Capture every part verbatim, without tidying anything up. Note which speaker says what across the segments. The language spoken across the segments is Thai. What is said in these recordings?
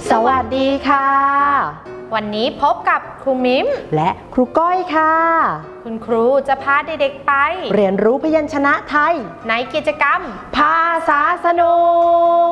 Speaker 1: สวัสดีค่ะ
Speaker 2: วันนี้พบกับครูมิม
Speaker 1: และครูก้อยค่ะ
Speaker 2: คุณครูจะพาเด็กๆไป
Speaker 1: เรียนรู้พยัญชนะไทย
Speaker 2: ในกิจกรรม
Speaker 1: ภาษาสนุก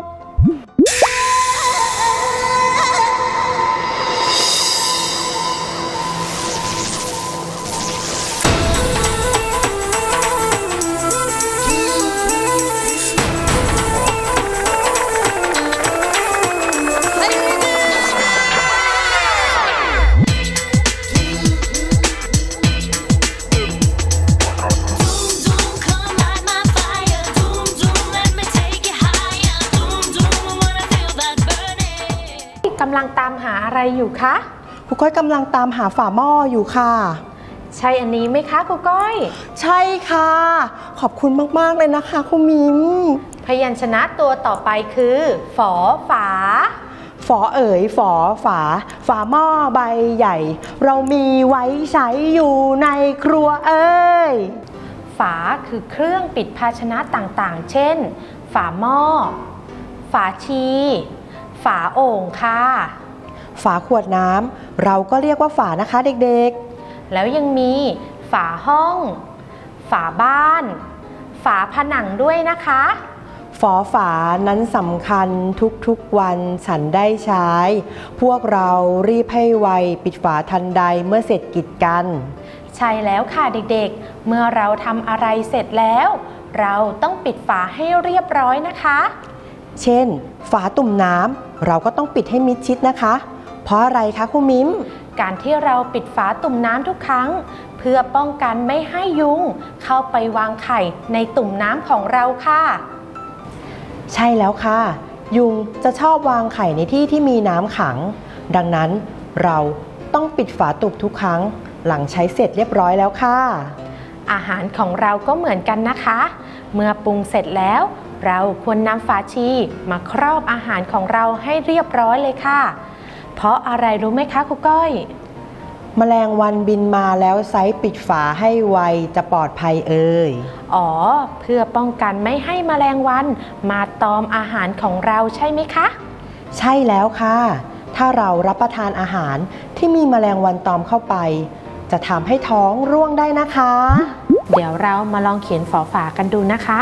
Speaker 2: กำลังตามหาอะไรอยู่คะ
Speaker 1: ครูก้อยกำลังตามหาฝาหม้ออยู่ค่ะ
Speaker 2: ใช่อันนี้ไหมคะครูก้อย
Speaker 1: ใช่ค่ะขอบคุณมากๆเลยนะคะครูมิม
Speaker 2: พยัญชนะตัวต่อไปคือฝอฝา
Speaker 1: ฝอเอ๋ยฝอฝาฝาหม้อใบใหญ่เรามีไว้ใช้อยู่ในครัวเอ้ย
Speaker 2: ฝาคือเครื่องปิดภาชนะต่างๆเช่นฝาหม้อฝาชีฝาโอ่งค่ะ
Speaker 1: ฝาขวดน้ำเราก็เรียกว่าฝานะคะเด็ก
Speaker 2: ๆแล้วยังมีฝาห้องฝาบ้านฝาผนังด้วยนะคะ
Speaker 1: ฝอฝานั้นสำคัญทุกๆวันฉันได้ใช้พวกเรารีบให้ไวปิดฝาทันใดเมื่อเสร็จกิจกัน
Speaker 2: ใช่แล้วค่ะเด็กๆเมื่อเราทำอะไรเสร็จแล้วเราต้องปิดฝาให้เรียบร้อยนะคะ
Speaker 1: เช่นฝาตุ่มน้ำเราก็ต้องปิดให้มิดชิดนะคะเพราะอะไรคะครูมิม
Speaker 2: การที่เราปิดฝาตุ่มน้ำทุกครั้งเพื่อป้องกันไม่ให้ยุงเข้าไปวางไข่ในตุ่มน้ำของเราค่ะ
Speaker 1: ใช่แล้วค่ะยุงจะชอบวางไข่ในที่ที่มีน้ำขังดังนั้นเราต้องปิดฝาตุ่มทุกครั้งหลังใช้เสร็จเรียบร้อยแล้วค่ะ
Speaker 2: อาหารของเราก็เหมือนกันนะคะเมื่อปรุงเสร็จแล้วเราควรนำฝาชีมาครอบอาหารของเราให้เรียบร้อยเลยค่ะเพราะอะไรรู้ไหมคะครูก้อย
Speaker 1: แมลงวันบินมาแล้วไซส์ปิดฝาให้ไวจะปลอดภัยเอ่ย
Speaker 2: อ๋อเพื่อป้องกันไม่ให้แมลงวันมาตอมอาหารของเราใช่ไหมคะ
Speaker 1: ใช่แล้วค่ะถ้าเรารับประทานอาหารที่มีแมลงวันตอมเข้าไปจะทำให้ท้องร่วงได้นะคะ
Speaker 2: เดี๋ยวเรามาลองเขียนฝอฝากันดูนะคะ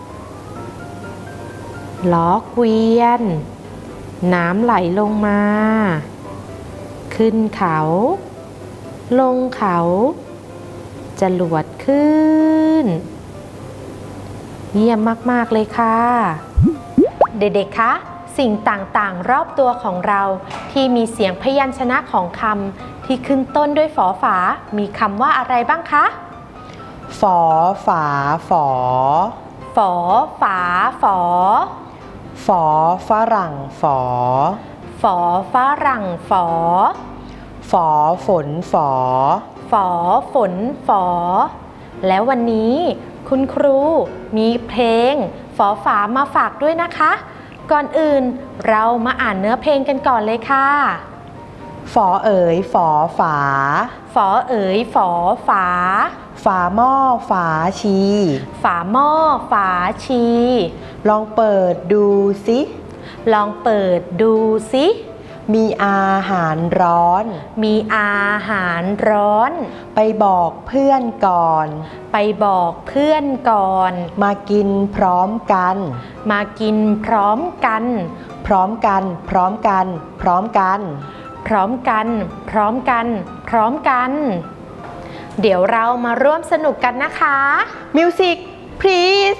Speaker 2: ล้อเกวียนน้ำไหลลงมาขึ้นเขาลงเขาจรวดขึ้นเยี่ยมมากๆเลยค่ะเด็กๆคะสิ่งต่างๆรอบตัวของเราที่มีเสียงพยัญชนะของคำที่ขึ้นต้นด้วยฝอฝามีคำว่าอะไรบ้างคะ
Speaker 1: ฝอฝาฝอ
Speaker 2: ฝอฝาฝอ
Speaker 1: ฝอฝรั่งฝอ
Speaker 2: ฝอฝรั่งฝอ
Speaker 1: ฝอฝนฝอ
Speaker 2: ฝอฝนฝอแล้ววันนี้คุณครูมีเพลงฝอฝามาฝากด้วยนะคะก่อนอื่นเรามาอ่านเนื้อเพลงกันก่อนเลยค่ะ
Speaker 1: ฝอเอ๋ยฝอฝา
Speaker 2: ฝอเอ๋ยฝอฝา
Speaker 1: ฝาหม้อฝาชี
Speaker 2: ฝาหม้อฝาชี
Speaker 1: ลองเปิดดูสิ
Speaker 2: ลองเปิดดูสิ
Speaker 1: มีอาหารร้อน
Speaker 2: มีอาหารร้อน
Speaker 1: ไปบอกเพื่อนก่อน
Speaker 2: ไปบอกเพื่อนก่อน
Speaker 1: มากินพร้อมกัน
Speaker 2: มากินพร้อมกัน
Speaker 1: พร้อมกันพร้อมกันพร้อมกัน
Speaker 2: พร้อมกันพร้อมกันพร้อมกันเดี๋ยวเรามาร่วมสนุกกันนะคะ
Speaker 1: มิวสิก please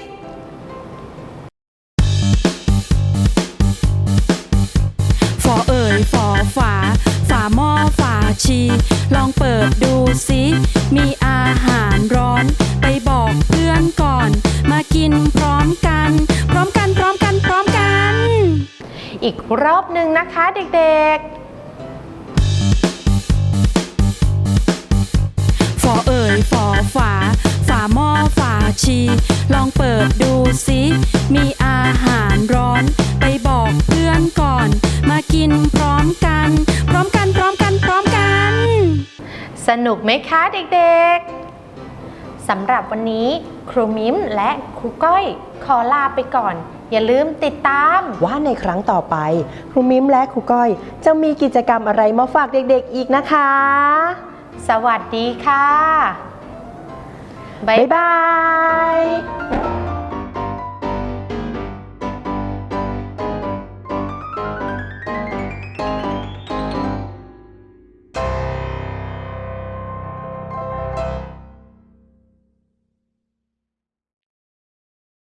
Speaker 3: ฝอเอ๋ยฝอฝาฝาหม้อฝาชีลองเปิดดูสิมีอาหารร้อนไปบอกเพื่อนก่อนมากินพร้อมกันพร้อมกันพร้อมกันพร้อมกัน
Speaker 2: อีกรอบหนึ่งนะคะเด็กๆ
Speaker 3: ฝอเอ๋ยฝอฝาฝาหม้อฝาชีลองเปิดดูสิมีอาหารร้อนไปบอกเพื่อนก่อนมากินพร้อมกันพร้อมกันพร้อมกันพร้อมกัน
Speaker 2: สนุกไหมคะเด็กๆสำหรับวันนี้ครูมิ้มและครูก้อยขอลาไปก่อน อย่าลืมติดตาม
Speaker 1: ว่าในครั้งต่อไปครูมิ้มและครูก้อยจะมีกิจกรรมอะไรมาฝากเด็กๆอีกนะคะ
Speaker 2: สวัสดีค่ะ
Speaker 1: บ๊ายบาย